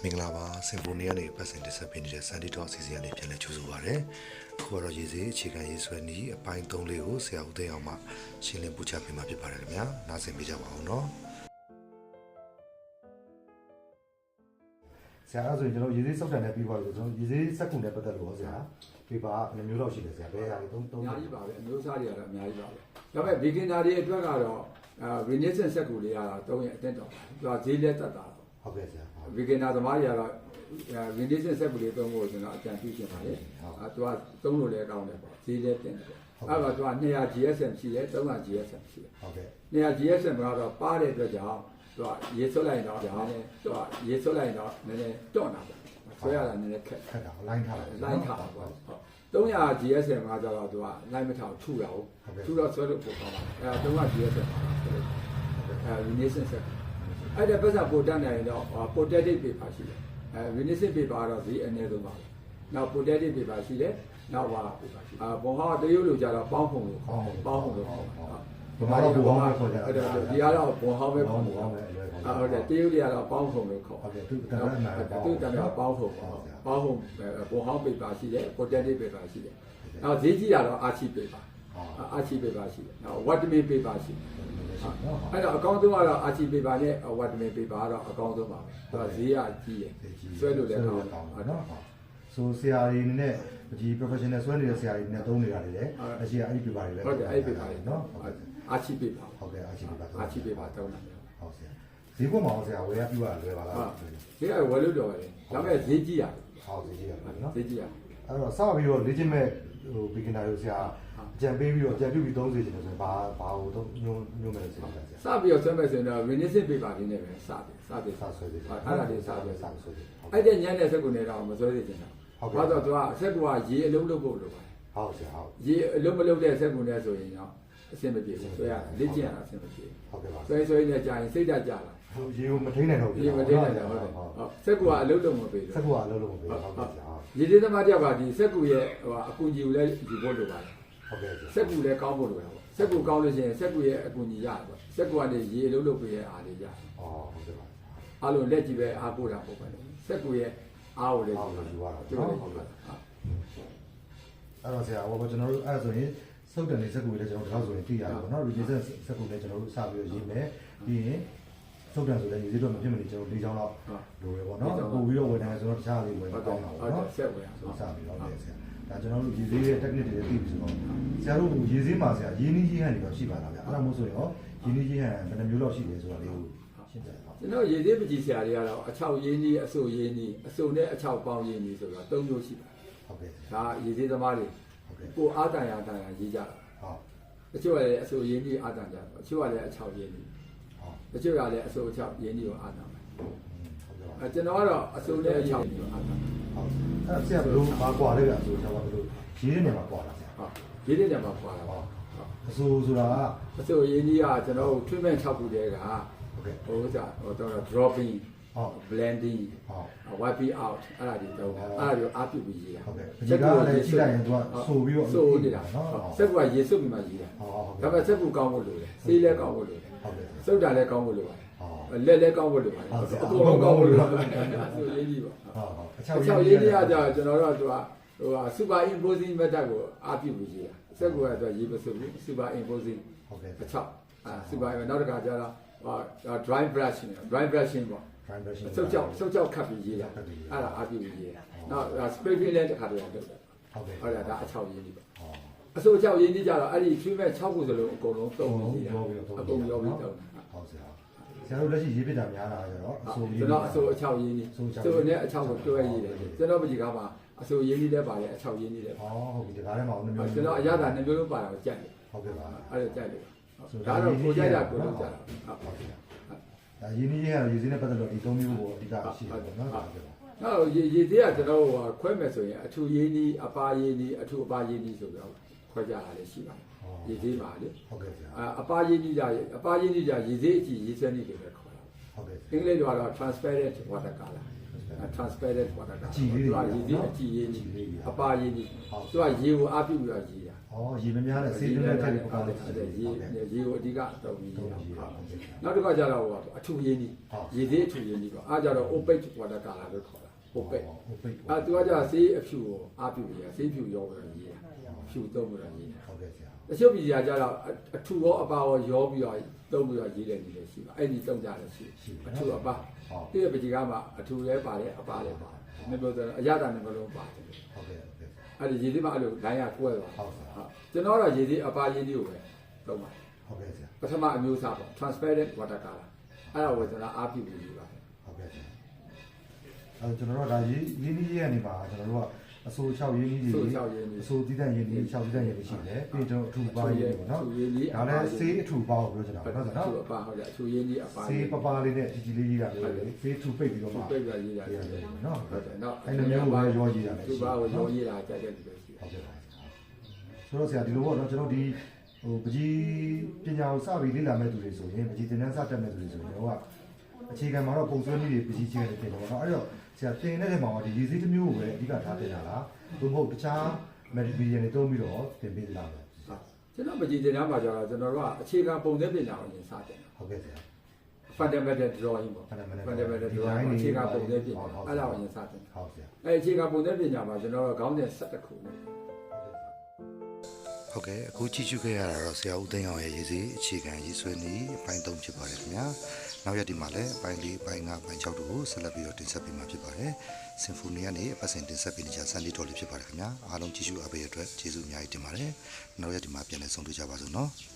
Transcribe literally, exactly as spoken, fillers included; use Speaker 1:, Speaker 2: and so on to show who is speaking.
Speaker 1: င်္ဂလာပါစင်ဖိုနီယာနဲ့ပတ်စင်တစ်ဆက်ပေးနေတဲ့ Sandy Talk အစီအစဉ်လေးပြန်လည်ကြိုဆိုပါရစေ။အခုတော့ရေးစေးအခြေခံရေးဆွဲနည်းအပိုင်းသုံးလေးကိုဆရာဦးသိန်းအောင်မှရှင်းလင်းပူချပေးမှာဖြစ်ပါတယ်ခင်ဗျာ။နားဆင်ပေးကြပါအောင်နော်။ဆရာအဲ့ဆိုရင်ကျွန်တော်ရေးစေးစောက်တန်နဲ့ပြီးပါလို့ကျွန်တော်ရေးစေးစက်ကူနဲ့ပတ်သက်လို့ဆရာဒီပါဘယ်မျိုးလောက်ရှိလဲဆရာဘယ်ဟာတွေသုံးသုံး
Speaker 2: အများကြီးပါပဲအမျိုးအစားတွေကတော့အများကြီးပါပဲဒါပေမဲ့ beginner တွေအတွက်ကတော့အာ Renaissance စက်ကူလေးကတော့သုံးရင်အတက်တော့သူကဈေးလက်တက်တာ
Speaker 1: ဟုတ်ကဲ့ဆရာ
Speaker 2: beginner သမားတွေကတော့ Renaissance စက်ကူလေးသုံးဖို့ကျွန်တော်အကြံပြုချင်ပါတယ်အဲသူကသုံးလို့လည်းကောင်းတယ်ပေါ့ဈေးလက်တင်တယ်ပေါ့အဲ့တော့သူကtwo hundred ဂျီ အက်စ် အမ် ရှိတယ်three hundred ဂျီ အက်စ် အမ် ရှိတယ်
Speaker 1: ဟုတ်ကဲ့
Speaker 2: two hundred ဂျီ အက်စ် အမ် ကတော့ပါတဲ့အတွက်ကြောင့်သူကရေဆွတ်လိုက်တော့ဒါနဲ့သူကရေဆွတ်လိုက်တော့နည်းနည်းတွန့်တာပေါ့ဆွဲရတာနည်းနည်းခက်
Speaker 1: ခက်တာလိုင်းထားတယ်
Speaker 2: လိုင်းထားတာပေါ့three hundred ဂျီ အက်စ် အမ် ကကျတော့သူကလိုင်းမထောင်ထုတာဟုတ်ထုတော့ဆွဲလို့ပို့ပါပါအဲthree hundred ဂျီ အက်စ် အမ် အဲ Renaissance ဆက်အဲ့ဒါပတ်စံပို့တတ်နိုင်တော့ protective paper ရှိတယ်အဲ Renaissance paper ကတော့ဈေးအနည်းဆုံးပါနောက် protective paper ရှိတယ်နောက်ပါအာဘုံဟောတရုပ်လိုကြတော့ပေါင်းဖုံလို့ပေါင်းဖုံလို့ခေါ်တာ
Speaker 1: ဒီမှာတော့ဘောင်းပဲခေါ်ကြ
Speaker 2: အဲ့ဒါဒီကတော့ဘုံဟောပဲခေါ်တာဟုတ်တယ်တရုပ်တွေကတော့ပေါင်းဖုံလို့ခေါ်
Speaker 1: ဟုတ်ကဲ့သူတမ်းအနာ
Speaker 2: သူတမ်းကပေါင်းဖုံပေါင်းဖုံဘုံဟော paper ရှိတယ် protective paper ရှိတယ်နောက်ဈေးကြီးကတော့ archie paper archie paper ရှိတယ်နောက် watermelon paper ရှိတယ်အဲ့တော့အကောင့်သုံးကတော့ archie paper နဲ့ watermelon paper ကတော့အကောင့်သုံးပါပဲသူကဈေးကကြီးတယ်ဆွဲလို့လည်းကောင်းတယ်နော်
Speaker 1: ဆိုဆရာကြီးနဲ့ဒီ professional ဆွဲနေတဲ့ဆရာကြီးနဲ့သုံးနေတာတွေလည်းအရှိအဲ့ဒီ paper တွေလည်း
Speaker 2: ဟုတ်တယ်အဲ့ဒီ paper တွေနော် archie paper
Speaker 1: ဟုတ်ကဲ့ archie paper
Speaker 2: archie paper သုံးတာ
Speaker 1: ဟုတ်ဆရာဈေးကွက်မှာဆရာဝယ်ရပြရလွယ်ပါလား
Speaker 2: ဈေးကဝယ်လို့တော့တယ်ဒါပေမဲ့ဈေးကြီးရတယ်
Speaker 1: ဟုတ်ဈေးကြီးရတယ်နော်
Speaker 2: ဈေးကြီးရ
Speaker 1: အဲ့တော့စပြီးတော့လေ့ကျင့်မဲ့ဟို beginner တွေဆရာအကြံပေးပြီးတော့အကြံပြုပြီးသုံးစေချင်တယ်ဆိုရင်ဘာဘာဟိုတော့ညွှန်းညွှန်းမယ်ဆိုရင်ဆရာ
Speaker 2: စပြီးတော့ဆွဲမယ်ဆိုရင်တော့ Renaissance paper လေးနဲ့ပဲစတယ်စတယ်
Speaker 1: စဆွဲတယ်
Speaker 2: အဲ့ဒါလေးစပြီး
Speaker 1: စဆွဲတယ်
Speaker 2: အဲ့တဲ့ညံ့တဲ့စက်ကူနဲ့တော့မဆွဲစေချင်တာဟုတ်တော့သူကစက်ကူကရေအလုံးလုံးဖို့လိုပါတယ်
Speaker 1: ဟုတ်ဆရာဟုတ်
Speaker 2: ရေအလုံးမလုံးတဲ့စက်ကူနဲ့ဆိုရင်တော့အဆင်မပြေဘူးဆွဲရလေ့ကျင့်ရတာအဆင်မပြေ
Speaker 1: ဟုတ်ကဲ့ပါ
Speaker 2: ဆွဲဆွဲနဲ့ကြာရင်စိတ်ဓာတ်ကြလာ
Speaker 1: ရေကိုမထိန်နိုင်တော့ဘူး
Speaker 2: ရေမထိန်နိုင်တော့ဟုတ်တယ်ဟုတ်စက်ကူကအလုံးလုံးမပေးဘူး
Speaker 1: စက်ကူကအလုံးလုံးမပေးဘူးဟုတ်ကဲ့ဆရာ
Speaker 2: ရေသေးသမားတယောက်ကဒီစက်ကူရဲ့ဟိုအကူကြီးကိုလည်းယူဖို့လိုပါတယ်
Speaker 1: ဟုတ်ကဲ့
Speaker 2: စက်ကူလည်းကောင်းဖို့လိုတာပေါ့စက်ကူကောင်းလို့ရှိရင်စက်ကူရဲ့အကူကြီးရတယ်ပေါ့စက်ကူကနေရေအလုံးလုံးပေးရအားလေးရတယ်
Speaker 1: ဩဟုတ်ကဲ့ပါ
Speaker 2: အားလုံးလက်ကြည့်ပဲအားကိုးတာပေါ့ပဲစက်ကူရဲ့အားကိုလည်း
Speaker 1: ယူရတာ
Speaker 2: ကျွ
Speaker 1: န်တော်ဟုတ်ကဲ့အဲ့တော့ဆရာဟောကျွန်တော်တို့အဲ့ဆိုရင်စုပ်တန်လေးစက်ကူလေးကျွန်တော်တို့ဆိုရင်သိရတယ်ပေါ့နော် revision စက်ကူလေးကျွန်တော်တို့စပြီးရေးမယ်ပြီးရင်စုပ်တန်ဆိုလည်းရေးတော့မဖြစ်မနေကျွန်တော်၄ချောင်းလောက်လိုရပေါ့နော်ပို့ပြီးတော့ဝယ်တယ်ဆိုတော့တခြားလေးဝယ်တော့တာပေါ့နော်
Speaker 2: ဆက်ဝယ်ရ
Speaker 1: ဆိုစပြီးတော့လေဆရာဒါကျွန်တော်တို့ရေးသေးတဲ့ technique တွေသိပြီဆိုတော့ဆရာတို့ရေးသေးမှာဆရာရင်းနှီးရေးဟန်တွေတော့ရှိပါလားဗျအဲ့ဒါမို့ဆိုရင်ရောရင်းနှီးရေးဟန်ဘယ်နှမျိုးလောက်ရှိလဲဆိုတာလေးကိုရှင်းပြပါ
Speaker 2: ကျွန်တော်ရေးသေးပကြီးဆရာတွေကတော့အချောက်ရင်းနှီးအစိုးရင်းနှီးအစိုးနဲ့အချောက်ပေါင်းရင်းနှီးဆိုတော့၃မျိုးရှိပါတယ်
Speaker 1: ဟုတ်ကဲ့
Speaker 2: ဒါရေးသေးသမားတွေကိုအားတန်ရတန်ရရေးကြတာ
Speaker 1: ဟုတ်
Speaker 2: တချို့ကလည်းအစိုးရင်းနှီးအားတန်ကြတယ်တချို့ကလည်းအချောက်ရင်းနှီးဟုတ်တချို့ကလည်းအစိုးအချောက်ရင်းနှီးကိုအားတန်တယ်အဲကျွန်တော်ကတော့အစိုးနဲ့အချောက်ကိုအားတန်
Speaker 1: ဟုတ်အဲ့ဆရာဘယ်လိုပါကွာလဲကအစိုးချောက်ကဘယ်လိုရေးနေမှာကွာလားဆရာ
Speaker 2: ဟုတ်ရေးနေတယ်မှာကွာတာ
Speaker 1: ဟုတ်အစိုးဆိုတာ
Speaker 2: အစိုးရင်းနှီးကကျွန်တော်တို့ treatment ၆ခုတည်းက
Speaker 1: ဟုတ်ကဲ့
Speaker 2: ဟိုဥစားဟိုတော့ dropping
Speaker 1: ဟုတ်
Speaker 2: blending
Speaker 1: ဟုတ်
Speaker 2: wiping out အဲ့ဒါတွေတော့အဲ့ဒါတွေအားပြုပြီးရေးတာ
Speaker 1: ဟုတ်ကဲ့ဒီကလည်းကြည့်လိုက်ရင်သူကဆိုပြီးတော့
Speaker 2: ဆိုနေတာနော်စက်ကရေစွပ်ပြီးမှရေးတာ
Speaker 1: ဟုတ်
Speaker 2: ဒါပေမဲ့စက်ကူကောင်းဖို့လိုတယ်ဆေးလည်းကောင်းဖို့လိုတယ်
Speaker 1: ဟုတ်ကဲ့
Speaker 2: စုပ်တာလည်းကောင်းဖို့လိုပါတယ်လက်လည်းကောင်းဖို့လိုပါတယ်အကုန်လုံးကောင်းဖို့လိုပါတယ်ဆိုရေးကြီးပါ
Speaker 1: ဟုတ်ဟုတ်
Speaker 2: အချောက်ရေးကြီးကကြာကျွန်တော်တို့ကသူကဟို super imposing method ကိုအားပြုပြီးရေးတာစက်ကူကတော့ရေးမစွပ်ဘူး super imposing
Speaker 1: ဟုတ်ကဲ့
Speaker 2: အချောက်အာ super နောက်တစ်ခါကျတော့ဟို dry brushing dry brushing ပေါ့စုပ်ကြောက်စုပ်ကြောက်ခတ်ပြီးရေးတာအဲ့ဒါအားပြုပြီးရေးတာနောက် spray paint လည်းတစ်ခါတည်းလုပ်တယ်
Speaker 1: ဟုတ်ကဲ့
Speaker 2: ဟုတ်တယ်ဒါအချောက်ရေးကြီးပါအစိုးအချောက်ရေးကြီးကြတော့အဲ့ဒီ treatment ၆ခုစလုံးအကုန်လုံးသုံးပြီးရေးတာအကုန်ရောပြီးသုံး
Speaker 1: ဟုတ်ဆရာဆရာတို့လက်ရှိရေးပြတာများလာကြတော့
Speaker 2: အစိုးရေးကျွန်တော်အစိုးအချောက်ရေးကြီးစိုးနဲ့အချောက်ကိုတွဲရေးတယ်ကျွန်တော်ပကြီးကားမှာအစိုးရေးကြီးလည်းပါတယ်အချောက်ရေးကြီးလည်း
Speaker 1: ဟောဟုတ်ပြီဒါထဲမှာနှမျိုး
Speaker 2: ကျွန်တော်အရသာနှမျိုးလုံးပါတာကိုကြိုက်တယ်
Speaker 1: ဟုတ်ကဲ့ပါ
Speaker 2: အဲ့ဒါကြိုက်တယ်ဒါတော့ကိုကြိုက်တာကိုလုပ်ကြတာ
Speaker 1: ဟုတ်ပါဗျာဒါရင်းနှီးရေးကရေးစင်းနဲ့ပတ်သက်လို့ဒီသုံးမျိုးကိုအဓိကရှိတယ်ပေါ့နော်ဟုတ်ကဲ့ပါ
Speaker 2: နောက်ရေးရေးသေးကကျွန်တော်ဟိုခွဲမယ်ဆိုရင်အထူရေးနီးအပါရေးနီးအထူအပါရေးနီးဆိုပြီးတော့ခွဲကြတာလည်းရှိပါတယ်ရေးသေးပါလေ
Speaker 1: ဟုတ်ကဲ့ဗျာ
Speaker 2: အပါရေးနီးကြအပါရေးနီးကြရေးသေးအကြည့်ရေးစဲနီးတွေပဲခေါ်တာ
Speaker 1: ဟုတ်ကဲ့
Speaker 2: အင်္ဂလိပ်လိုကတော့ transparent water color transparent water color သူကရေးသေးအကြည့်ရေးနီးအပါရေးနီးသူကရေကိုအားပြုပြီးတော့ရေးတာ
Speaker 1: ရေမများတဲ့စေးတွင်းတဲ့ထက်ပကားလေး
Speaker 2: ရေရေကိုအဓိကအသုံးပြီးနောက်တစ်ခါကျတော့အထူရင်းကြီးရေသေးအထူရင်းကြီးပေါ့အားကြတော့ opaque water color လို့ခေါ်တာ opaque အဲသူကကြဆေးအဖြူကိုအားပြူရဆေးဖြူရောပြီးတော့ရေးတာဖြူသုံးပြီးတော့ရေးတာဟုတ်ကဲ့ဆရာတချို့ပြည်ရာကြတော့အထူရောအပါရောရောပြီးတော့သုံးပြီးတော့ရေးတယ်နေလို့ရှိပါအဲ့ဒီသုံးကြတယ်ရှိအထူအပါပြည့်ပကြီးကမှအထူလဲပါတယ်အပါလဲပါတယ်မပြောတော့အရသာနဲ့မလို့ပါတယ်ဟုတ်ကဲ့အဲ့ဒီရေသေးမှအဲ့လိုလိုင်းရကွဲသွားဟုတ်ဟုတ်ကျွန်တော်တော့ရေသေးအပါရင်းလေးကိုပဲသုံးပါဟုတ်ကဲ့ဆရာပထမအမျိုးအစားပေါ့ transparent water color အဲ့ဒါကိုကျွန်တော်အားပြုပြီးယူပါတယ်ဟုတ်ကဲ့ဆရာအဲ့ကျွန်တော်တို့ကဒါရေးရင်းနှီးရေးကနေပါကျွန်တော်တို့ကအစိုး၆ရင်းနှီးတွေအစိုးတည်တဲ့ရင်းနှီး၆တည်တဲ့ရင်းနှီးရှိတယ်ပြီးတော့အထူပါရင်းပေါ့နော်ဒါလည်းဆေးအထူပါကိုပြောချင်တာဟုတ်နော်အထူပါဟုတ်ကြအထူရင်းနှီးအပါဆေးပပလေးနဲ့ဒီဒီလေးရေးတာလေဆေးထူပိတ်ပြီးတော့မှပိတ်ပြီးရေးတာနော်ဟုတ်တယ်နော်အဲ့လိုမျိုးပါရောရေးတာလေထူပါကိုရောရေးတာကြက်ကြက်ပြီးလို့ရှိဟုတ်ကဲ့ဆိုတော့ဆရာဒီလိုပေါ့နော်ကျွန်တော်ဒီဟိုပကြီးပညာကိုစပြီးလေ့လာမဲ့သူတွေဆိုရင်ပကြီးသင်တန်းစတက်မဲ့သူတွေဆိုရင်တော့အခြေခံမှာတော့ပုံဆွဲနည်းတွေပကြီးချင်းတွေတင်တယ်ပေါ့နော်အဲ့တော့ဆရာတင်တဲ့နေရာမှာဒီရည်စည်းတစ်မျိုးကိုပဲအဓိကထားတင်တာလားသို့မဟုတ်တခြား material တွေတုံးပြီးတော့တင်ပေးလာတယ်ကျွန်တော်ပကြီးတင်တန်းမှာကျတော့ကျွန်တော်တို့ကအခြေခံပုံစံပညာကိုရင်စတင်တာဟုတ်ကဲ့ဆရာ fundamental drawing ပေါ့ fundamental drawing အခြေခံပုံစံပညာအဲ့ဒါကိုရင်စတင်ဟုတ်ဆရာအဲ့အခြေခံပုံစံပညာမှာကျွန်တော်တို့ခေါင်းစဉ်၁၁ခုနဲ့ဟုတ်ကဲ့အခုကြည့်ရှုခဲ့ရတာတော့ဆရာဦးသိန်းအောင်ရဲ့ရေးစီအခြေခံရေးဆွဲနည်းအပိုင်း၃ဖြစ်ပါတယ်ခင်ဗျာနောက်ရက်ဒီမှာလည်းအပိုင်း၄အပိုင်း၅အပိုင်း၆တို့ကိုဆက်လက်ပြီးတော့တင်ဆက်ပေးမှာဖြစ်ပါတယ်စင်ဖိုနီကနေအပတ်စဉ်တင်ဆက်ပေးနေကြဆန်ဒီတော်လေးဖြစ်ပါတယ်ခင်ဗျာအားလုံးကြည့်ရှုအားပေးရတဲ့အတွက်ကျေးဇူးအများကြီးတင်ပါတယ်နောက်ရက်ဒီမှာပြန်လည်ဆုံတွေ့ကြပါစို့နော်